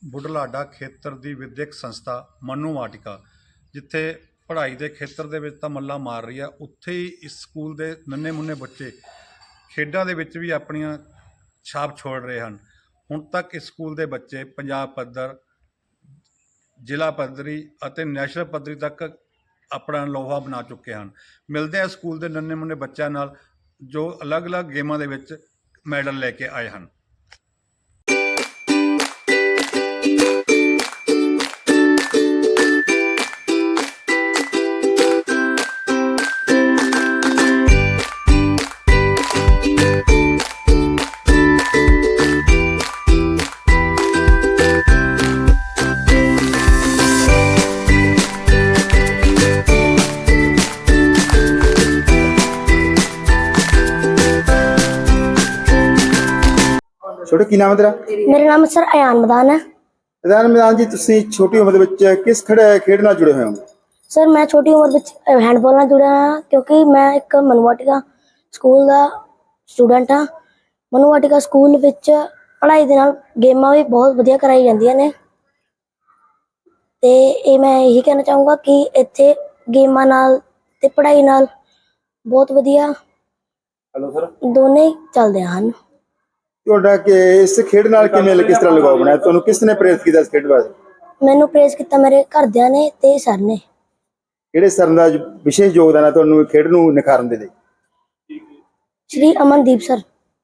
ਬੁਢਲਾਡਾ ਖੇਤਰ ਦੀ ਵਿਦਿਅਕ ਸੰਸਥਾ ਮਨੂ ਵਾਟਿਕਾ, ਜਿੱਥੇ ਪੜ੍ਹਾਈ ਦੇ ਖੇਤਰ ਦੇ ਵਿੱਚ ਤਾਂ ਮੱਲਾ ਮਾਰ ਰਹੀ ਹੈ, ਉੱਥੇ ਹੀ ਇਸ ਸਕੂਲ ਦੇ ਨੰਨੇ ਮੁੰਨੇ ਬੱਚੇ ਖੇਡਾਂ ਦੇ ਵਿੱਚ ਵੀ ਆਪਣੀਆਂ ਛਾਪ ਛੋੜ ਰਹੇ ਹਨ। ਹੁਣ ਤੱਕ ਇਸ ਸਕੂਲ ਦੇ ਬੱਚੇ ਪੰਜਾਬ ਪੱਧਰ, ਜ਼ਿਲ੍ਹਾ ਪੱਧਰੀ ਅਤੇ ਨੈਸ਼ਨਲ ਪੱਧਰੀ ਤੱਕ ਆਪਣਾ ਲੋਹਾ ਬਣਾ ਚੁੱਕੇ ਹਨ। ਮਿਲਦੇ ਆ ਸਕੂਲ ਦੇ ਨੰਨੇ ਮੁੰਨੇ ਬੱਚਿਆਂ ਨਾਲ ਜੋ ਅਲੱਗ-ਅਲੱਗ ਗੇਮਾਂ ਦੇ ਵਿੱਚ ਮੈਡਲ ਲੈ ਕੇ ਆਏ ਹਨ। छोटे की नाम है तेरा? मेरा नाम सर अयान मैदान है। अयान मैदान जी, तुसी छोटी उम्र ਦੇ किस खेड नाल जुड़े हुए हो? सर मैं छोटी उम्र ਵਿੱਚ हैंडबॉल ਨਾਲ जुड़िया हाँ, क्योंकि मैं एक मनु वाटिका स्कूल ਦਾ स्टूडेंट हाँ। मनु वाटिका स्कूल ਵਿੱਚ पढ़ाई ਦੇ ਨਾਲ ਗੇਮਾਂ ਵੀ ਬਹੁਤ ਵਧੀਆ ਕਰਾਈ ਜਾਂਦੀਆਂ ਨੇ ਤੇ ਇਹ ਮੈਂ ਇਹੀ ਕਹਿਣਾ ਚਾਹੂੰਗਾ ਕਿ ਇੱਥੇ ਗੇਮਾਂ ਨਾਲ ਤੇ ਪੜ੍ਹਾਈ ਨਾਲ ਬਹੁਤ ਵਧੀਆ हेलो सर, ਦੋਨੇ ਚੱਲਦੇ ਹਨ। ਤੁਹਾਡਾ ਕਿ ਇਸ ਖੇਡ ਨਾਲ ਕਿਵੇਂ ਕਿਸ ਤਰ੍ਹਾਂ ਲਗਾਓ ਬਣਾਇਆ, ਤੁਹਾਨੂੰ ਕਿਸ ਨੇ ਪ੍ਰੇਰਿਤ ਕੀਤਾ ਇਸ ਖੇਡ ਵਾਸਤੇ? ਮੈਨੂੰ ਪ੍ਰੇਜ਼ ਕੀਤਾ ਮੇਰੇ ਘਰਦਿਆਂ ਨੇ ਤੇ ਸਰ ਨੇ। ਕਿਹੜੇ ਸਰ ਦਾ ਵਿਸ਼ੇਸ਼ ਯੋਗਦਾਨ ਹੈ ਤੁਹਾਨੂੰ ਖੇਡ ਨੂੰ ਨਿਖਾਰਨ ਦੇ ਲਈ? ਸ਼੍ਰੀ ਅਮਨਦੀਪ ਸਰ।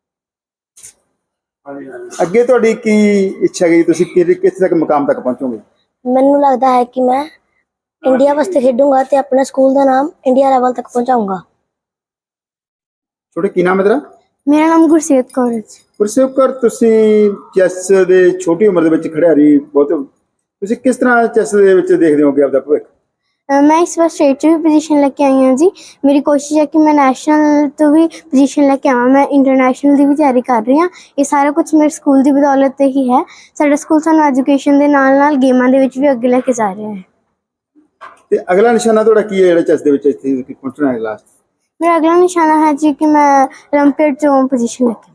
ਅੱਗੇ ਤੁਹਾਡੀ ਕੀ ਇੱਛਾ ਹੈ, ਤੁਸੀਂ ਕਿਸ ਤੱਕ ਮੁਕਾਮ ਤੱਕ ਪਹੁੰਚੋਗੇ? ਮੈਨੂੰ ਲੱਗਦਾ ਹੈ ਕਿ ਮੈਂ ਇੰਡੀਆ ਵਾਸਤੇ ਖੇਡੂੰਗਾ ਤੇ ਆਪਣੇ ਸਕੂਲ ਦਾ ਨਾਮ ਇੰਡੀਆ ਲੈਵਲ ਤੱਕ ਪਹੁੰਚਾਊਂਗਾ। ਛੋਟੇ ਕੀ ਨਾਮ ਹੈ ਤੇਰਾ? ਮੇਰਾ ਨਾਮ ਗੁਰਸੇਵ ਕੌਰ ਹੈ। ਗੁਰਸੇਵ ਕੌਰ, ਤੁਸੀਂ ਚੈਸ ਦੇ ਛੋਟੀ ਉਮਰ ਦੇ ਵਿੱਚ ਖਿਡਾਰੀ ਬਹੁਤ, ਤੁਸੀਂ ਕਿਸ ਤਰ੍ਹਾਂ ਚੈਸ ਦੇ ਵਿੱਚ ਦੇਖਦੇ ਹੋਗੇ ਆਪਦਾ ਭਵਿੱਖ? मैं इस बार स्टेट भी पोजीशन लेके आई हाँ जी। मेरी कोशिश है कि मैं नैशनल तो भी पोजीशन लेके आवां, मैं इंटरनेशनल की भी तैयारी कर रही हाँ। ये सारा कुछ मेरे स्कूल की बदौलत ते ही है। साडा स्कूल सानू एजुकेशन के नाल गेमां दे विच भी अगे लेके जा रहा है। ਤੇ ਅਗਲਾ ਨਿਸ਼ਾਨਾ ਤੁਹਾਡਾ ਕੀ ਹੈ ਜਿਹੜਾ ਚੈਸ ਦੇ ਵਿੱਚ ਇੱਥੇ ਪਹੁੰਚਣਾ ਹੈ ਲਾਸਟ? मेरा अगला निशाना है जी कि मैं ओलंपियाड चो पोजीशन लेके।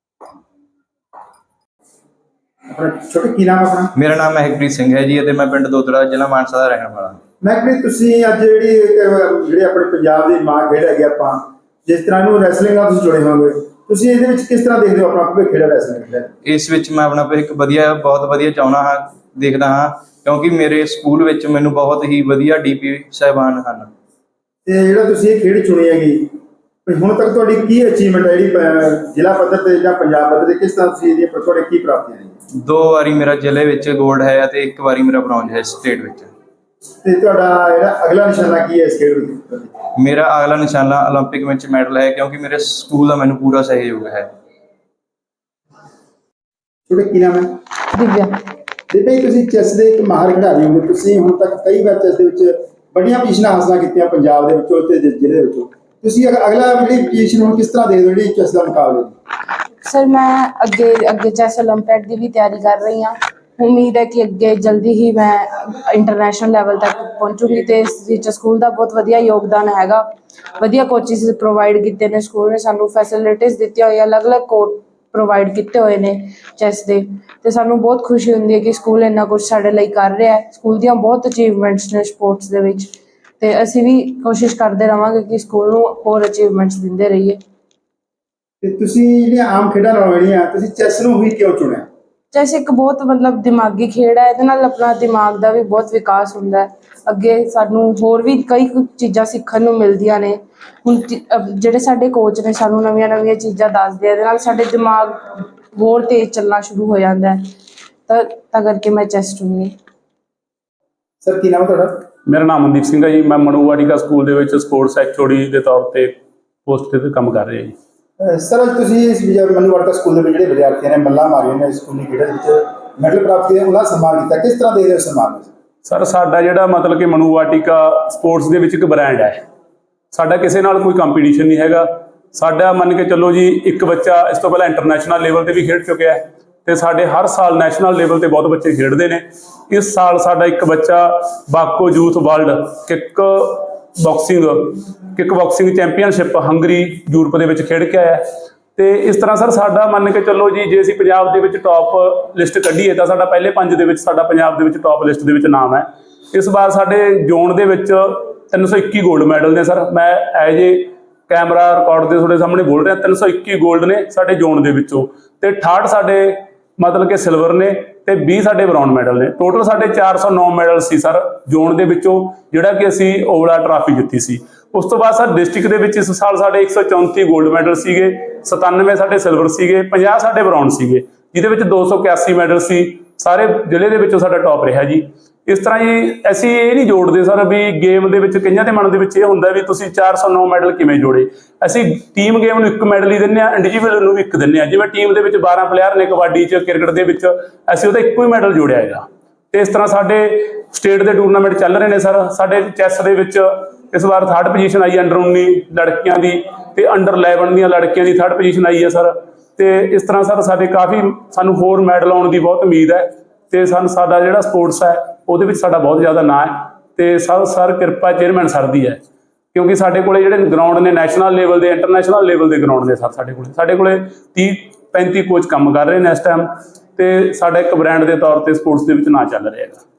ਛੋਟੇ ਕੀ ਨਾਮ ਆਪਣਾ? ਮੇਰਾ ਨਾਮ ਮਹਿਕਪ੍ਰੀਤ ਸਿੰਘ ਹੈ ਜੀ ਅਤੇ ਮੈਂ ਪਿੰਡ ਦੋਦੜਾ, ਜ਼ਿਲ੍ਹਾ ਮਾਨਸਾ ਦਾ ਰਹਿਣ ਵਾਲਾ। ਮਹਿਕਪ੍ਰੀਤ, ਤੁਸੀਂ ਅੱਜ ਜਿਹੜੇ ਆਪਣੇ ਪੰਜਾਬ ਦੀ ਮਾਂ ਖੇਡ ਹੈਗੀ ਆਪਾਂ, ਜਿਸ ਤਰ੍ਹਾਂ ਨੂੰ ਰੈਸਲਿੰਗ ਨਾਲ ਤੁਸੀਂ ਜੁੜੇ ਹੋਗੇ, ਤੁਸੀਂ ਇਹਦੇ ਵਿੱਚ ਕਿਸ ਤਰ੍ਹਾਂ ਦੇਖਦੇ ਹੋ ਆਪਣਾ ਭਵਿੱਖ ਜਿਹੜਾ ਰੈਸਲਿੰਗ ਦਾ? ਇਸ ਵਿੱਚ ਮੈਂ ਆਪਣਾ ਭਵਿੱਖ ਬਹੁਤ ਵਧੀਆ ਚਾਹੁੰਦਾ ਹਾਂ, ਦੇਖਦਾ ਹਾਂ, ਕਿਉਂਕਿ ਮੇਰੇ ਸਕੂਲ ਵਿੱਚ ਮੈਨੂੰ ਬਹੁਤ ਹੀ ਵਧੀਆ ਡੀਪੀ ਸਾਹਿਬਾਨ ਹਨ। ਤੇ ਜਿਹੜਾ ਤੁਸੀਂ ਇਹ ਖੇਡ ਚੁਣੀ ਹੈਗੀ, ਹੁਣ ਤੱਕ ਤੁਹਾਡੀ ਕੀ ਅਚੀਵਮੈਂਟ ਹੈ ਜਿਹੜੀ ਜ਼ਿਲ੍ਹਾ ਪੱਧਰ ਤੇ ਜਾਂ ਪੰਜਾਬ ਪੱਧਰ ਤੇ, ਕਿਸ ਤਰ੍ਹਾਂ ਤੁਸੀਂ ਇਹਦੀਆਂ ਤੁਹਾਡੇ ਕੀ ਪ੍ਰਾਪਤੀਆਂ ਨੇ? 2 ਵਾਰੀ ਮੇਰਾ ਜ਼ਿਲ੍ਹੇ ਵਿੱਚ ਗੋਲਡ ਹੈ ਅਤੇ 1 ਵਾਰੀ ਮੇਰਾ ਬ੍ਰੌਂਜ ਹੈ ਸਟੇਟ ਵਿੱਚ। ਤੇ ਤੁਹਾਡਾ ਜਿਹੜਾ ਅਗਲਾ ਨਿਸ਼ਾਨਾ ਕੀ ਹੈ ਇਸ ਖੇਡ ਵਿੱਚ? ਮੇਰਾ ਅਗਲਾ ਨਿਸ਼ਾਨਾ ਓਲੰਪਿਕ ਵਿੱਚ ਮੈਡਲ ਹੈ, ਕਿਉਂਕਿ ਮੇਰੇ ਸਕੂਲ ਦਾ ਮੈਨੂੰ ਪੂਰਾ ਸਹਿਯੋਗ ਹੈ। ਤੁਹਾਡਾ ਕੀ ਨਾਮ ਹੈ? दिव्या। ਦਿਵਿਆ ਜੀ, ਤੁਸੀਂ ਚੈਸ ਦੇ ਇੱਕ ਮਾਹਰ ਖਿਡਾਰੀ ਹੋ, ਤੁਸੀਂ ਹੁਣ ਤੱਕ ਕਈ ਵਾਰ ਚੈਸ ਦੇ ਵਿੱਚ ਵੱਡੀਆਂ ਪੋਜੀਸ਼ਨਾਂ ਹਾਸਲ ਕੀਤੀਆਂ ਪੰਜਾਬ ਦੇ ਵਿੱਚੋਂ ਤੇ ਜ਼ਿਲ੍ਹੇ ਵਿੱਚੋਂ, ਤੁਸੀਂ ਅਗਲਾ ਜਿਹੜੀ ਪੋਜੀਸ਼ਨ ਹੁਣ ਕਿਸ ਤਰ੍ਹਾਂ ਦੇਖਦੇ ਹੋ ਜਿਹੜੀ ਚੈਸ ਦਾ ਮੁਕਾਬਲੇ? सर मैं अगे चैस ओलंपियाड की भी तैयारी कर रही हाँ। उम्मीद है कि अगे जल्दी ही मैं इंटरनेशनल लैवल तक पहुँचूंगी। तो इस स्कूल का बहुत वधिया योगदान हैगा, वधिया कोचिज प्रोवाइड किए ने स्कूल ने, सानू फैसिलिटीज़ दी हुई, अलग अलग कोर्ट प्रोवाइड किए हुए हैं चैस के। तो सानू बहुत खुशी होंदी है कि स्कूल इन्ना कुछ साडे लई कर रहा है। स्कूल दी बहुत अचीवमेंट्स ने स्पोर्ट्स दे विच, ते असीं भी कोशिश करते रहांगे कि स्कूल नूं होर अचीवमेंट्स दिंदे रहिए। ਤੇ ਤੁਸੀਂ ਜਿਹੜੀਆਂ ਆਮ ਖੇਡਾਂ ਨਾਲੋਂ ਜਿਹੜੀਆਂ ਤੁਸੀਂ ਚੈਸ ਨੂੰ ਹੀ ਕਿਉਂ ਚੁਣਿਆ? चैस एक बहुत मतलब दिमागी खेड है, ये नाल अपना दिमाग का भी बहुत विकास होंदा है। अगे सानू होर भी कई चीज़ां सीखण नूं मिलदियां ने। हुण जिहड़े साडे कोच ने सानू नवीं नवीं चीज़ां दसदे, इहदे नाल साडे दिमाग होर तेज चलना शुरू हो जाता है। तां करके मैं चैस चुनी। ਸਰ ਕੀ ਨਾਮ ਹੈ ਤੁਹਾਡਾ? ਮੇਰਾ ਨਾਮ ਮਨਦੀਪ ਸਿੰਘ ਹੈ ਜੀ। ਮੈਂ ਮਨੂ ਵਾਟਿਕਾ ਸਕੂਲ ਦੇ ਵਿੱਚ ਸਪੋਰਟਸ ਐਚਓਡੀ ਦੇ ਤੌਰ ਤੇ ਪੋਸਟ ਤੇ ਕੰਮ ਕਰ ਰਿਹਾ ਜੀ। ਸਰ, ਅੱਜ ਤੁਸੀਂ ਇਸ ਮਨੂ ਵਾਟਿਕਾ ਸਕੂਲ ਦੇ ਵਿੱਚ ਜਿਹੜੇ ਵਿਦਿਆਰਥੀਆਂ ਨੇ ਮੱਲਾਂ ਮਾਰੀਆਂ ਨੇ ਸਕੂਲੀ ਖੇਡਾਂ ਵਿੱਚ ਮੈਡਲ ਪ੍ਰਾਪਤ ਕੀਤੇ, ਉਹਨਾਂ ਦਾ ਸਨਮਾਨ ਕੀਤਾ, ਕਿਸ ਤਰ੍ਹਾਂ ਦੇਖਦੇ ਹੋ ਸਨਮਾਨ ਨੂੰ? ਸਰ, ਸਾਡਾ ਜਿਹੜਾ ਮਤਲਬ ਕਿ ਮਨੂ ਵਾਟਿਕਾ ਸਪੋਰਟਸ ਦੇ ਵਿੱਚ ਇੱਕ ਬ੍ਰਾਂਡ ਹੈ। ਸਾਡਾ ਕਿਸੇ ਨਾਲ ਕੋਈ ਕੰਪੀਟੀਸ਼ਨ ਨਹੀਂ ਹੈਗਾ। ਸਾਡਾ ਮੰਨ ਕੇ ਚੱਲੋ ਜੀ, ਇੱਕ ਬੱਚਾ ਇਸ ਤੋਂ ਪਹਿਲਾਂ ਇੰਟਰਨੈਸ਼ਨਲ ਲੈਵਲ ਤੇ ਵੀ ਖੇਡ ਚੁੱਕਿਆ ਹੈ ਤੇ ਸਾਡੇ ਹਰ ਸਾਲ ਨੈਸ਼ਨਲ ਲੈਵਲ ਤੇ ਬਹੁਤ ਬੱਚੇ ਖੇਡਦੇ ਨੇ। ਇਸ ਸਾਲ ਸਾਡਾ ਇੱਕ ਬੱਚਾ WAKO youth world kick boxing championship Hungary Europe ਦੇ ਵਿੱਚ ਖੇਡ ਕੇ ਆਇਆ ਤੇ ਇਸ ਤਰ੍ਹਾਂ ਸਰ ਸਾਡਾ ਮੰਨ ਕੇ ਚੱਲੋ ਜੀ, ਜੇ ਅਸੀਂ ਪੰਜਾਬ ਦੇ ਵਿੱਚ ਟੌਪ ਲਿਸਟ ਕੱਢੀਏ ਤਾਂ ਸਾਡਾ ਪਹਿਲੇ 5 ਦੇ ਵਿੱਚ ਸਾਡਾ ਪੰਜਾਬ ਦੇ ਵਿੱਚ ਟੌਪ ਲਿਸਟ ਦੇ ਵਿੱਚ ਨਾਮ ਹੈ। ਇਸ ਵਾਰ ਸਾਡੇ ਜ਼ੋਨ ਦੇ ਵਿੱਚ 321 골ਡ ਮੈਡਲ ਨੇ ਸਰ। ਮੈਂ ਐਜ ਏ ਕੈਮਰਾ ਰਿਕਾਰਡ ਦੇ ਤੁਹਾਡੇ ਸਾਹਮਣੇ ਬੋਲ ਰਿਹਾ, 321 골ਡ ਨੇ ਸਾਡੇ ਜ਼ੋਨ ਦੇ ਵਿੱਚੋਂ, ਤੇ 68 ਸਾਡੇ ਮਤਲਬ ਕਿ ਸਿਲਵਰ ਨੇ, ਤੇ 20 ਸਾਡੇ ਬ੍ਰੌਂਜ਼ ਮੈਡਲ ਨੇ। ਟੋਟਲ ਸਾਡੇ 409 ਮੈਡਲ ਸੀ ਸਰ ਜ਼ੋਨ ਦੇ ਵਿੱਚੋਂ, ਜਿਹੜਾ ਕਿ ਅਸੀਂ ਓਵਲਾ ਟਰਾਫੀ ਜਿੱਤੀ ਸੀ। ਉਸ ਤੋਂ ਬਾਅਦ ਸਰ ਡਿਸਟ੍ਰਿਕਟ ਦੇ ਵਿੱਚ ਇਸ ਸਾਲ ਸਾਡੇ 134 골ਡ ਮੈਡਲ ਸੀਗੇ, 97 ਸਾਡੇ ਸਿਲਵਰ ਸੀਗੇ, 50 ਸਾਡੇ ਬ੍ਰੌਂਜ਼ ਸੀਗੇ, ਜਿਹਦੇ ਵਿੱਚ 281 ਮੈਡਲ ਸੀ। ਸਾਰੇ ਜ਼ਿਲ੍ਹੇ ਦੇ ਵਿੱਚੋਂ ਸਾਡਾ ਟੌਪ ਰਿਹਾ ਜੀ। ਇਸ ਤਰ੍ਹਾਂ ਜੀ ਅਸੀਂ ਇਹ ਨਹੀਂ ਜੋੜਦੇ ਸਰ ਵੀ ਗੇਮ ਦੇ ਵਿੱਚ ਕਈਆਂ ਦੇ ਮਨ ਦੇ ਵਿੱਚ ਇਹ ਹੁੰਦਾ ਵੀ ਤੁਸੀਂ 409 ਮੈਡਲ ਕਿਵੇਂ ਜੋੜੇ। ਅਸੀਂ ਟੀਮ ਗੇਮ ਨੂੰ 1 ਮੈਡਲ ਹੀ ਦਿੰਦੇ ਹਾਂ, ਇੰਡੀਵਿਜੂਅਲ ਨੂੰ ਵੀ 1 ਦਿੰਦੇ ਹਾਂ। ਜਿਵੇਂ ਟੀਮ ਦੇ ਵਿੱਚ 12 ਪਲੇਅਰ ਨੇ ਕਬੱਡੀ 'ਚ, ਕ੍ਰਿਕਟ ਦੇ ਵਿੱਚ ਅਸੀਂ ਉਹਦਾ ਇੱਕੋ ਹੀ ਮੈਡਲ ਜੋੜਿਆ ਹੈਗਾ। ਤੇ ਇਸ ਤਰ੍ਹਾਂ ਸਾਡੇ ਸਟੇਟ ਦੇ ਟੂਰਨਾਮੈਂਟ ਚੱਲ ਰਹੇ ਨੇ ਸਰ। ਸਾਡੇ ਚੈਸ ਦੇ ਵਿੱਚ ਇਸ ਵਾਰ 3rd ਪੋਜੀਸ਼ਨ ਆਈ ਅੰਡਰ 19 ਲੜਕੀਆਂ ਦੀ, ਤੇ ਅੰਡਰ 11 ਦੀਆਂ ਲੜਕੀਆਂ ਦੀ 3rd ਪੋਜੀਸ਼ਨ ਆਈ ਹੈ ਸਰ। ਤੇ ਇਸ ਤਰ੍ਹਾਂ ਸਰ ਸਾਡੇ ਕਾਫੀ ਸਾਨੂੰ ਹੋਰ ਮੈਡਲ ਆਉਣ ਦੀ ਬਹੁਤ ਉਮੀਦ ਹੈ, ਤੇ ਸਾਡਾ ਜਿਹੜਾ ਸਪੋਰਟਸ ਹੈ ਉਹਦੇ ਵਿੱਚ ਸਾਡਾ ਬਹੁਤ ਜ਼ਿਆਦਾ ਨਾਂ ਹੈ। ਤੇ ਸਰ ਕਿਰਪਾ ਚੇਅਰਮੈਨ ਸਰ ਦੀ ਹੈ, ਕਿਉਂਕਿ ਸਾਡੇ ਕੋਲੇ ਜਿਹੜੇ ਗਰਾਊਂਡ ਨੇ ਨੈਸ਼ਨਲ ਲੈਵਲ ਦੇ, ਇੰਟਰਨੈਸ਼ਨਲ ਲੈਵਲ ਦੇ ਗਰਾਊਂਡ ਨੇ ਸਰ। ਸਾਡੇ ਕੋਲੇ 30-35 ਕੋਚ ਕੰਮ ਕਰ ਰਹੇ ਨੇ ਇਸ ਟਾਈਮ, ਤੇ ਸਾਡਾ ਇੱਕ ਬ੍ਰਾਂਡ ਦੇ ਤੌਰ ਤੇ ਸਪੋਰਟਸ ਦੇ ਵਿੱਚ ਨਾਂ ਚੱਲ ਰਿਹਾ ਹੈਗਾ।